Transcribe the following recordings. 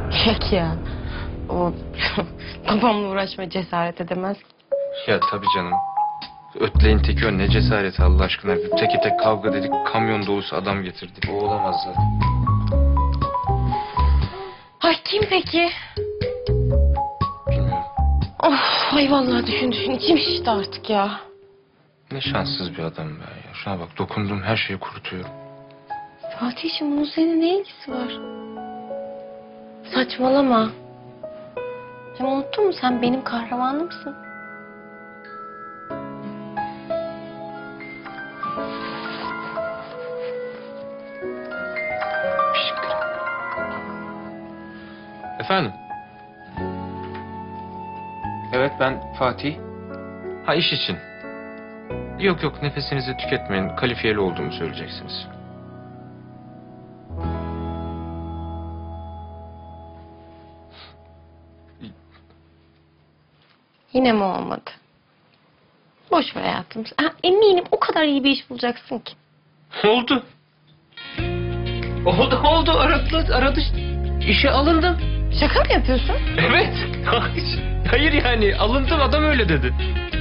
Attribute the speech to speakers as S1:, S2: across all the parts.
S1: Yok ya. O babamla uğraşmaya cesaret edemez.
S2: Ya tabii canım. Ötleyin teki o, ne cesareti Allah aşkına. Teke tek kavga dedik, kamyon dolusu adam getirdik. O olamaz zaten.
S1: Ay kim peki?
S2: Bilmiyorum.
S1: Of ay vallahi düşün içim şişti artık ya.
S2: Ne şanssız bir adam ben ya. Şuna bak, dokunduğum her şeyi kurutuyorum.
S1: Fatih'ciğim bunun seninle ne ilgisi var? Saçmalama. Sen unuttun mu, sen benim kahramanımsın.
S2: Efendim? Evet, ben Fatih. Ha, iş için. Yok yok, nefesinizi tüketmeyin. Kalifiyeli olduğumu söyleyeceksiniz.
S1: Yine mi olmadı? Boş ver hayatım. Ha, eminim o kadar iyi bir iş bulacaksın ki.
S2: Oldu. Oldu. Aradı. İşe alındım.
S1: Şaka mı yapıyorsun?
S2: Evet. Hayır yani, alındım, adam öyle dedi.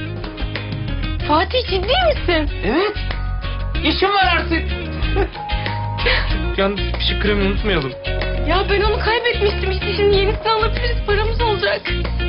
S1: Fatih ciddi misin?
S2: Evet. İşim var artık. Yalnız pişik kremi unutmayalım.
S1: Ya ben onu kaybetmiştim işte, şimdi yenisini alabiliriz, paramız olacak.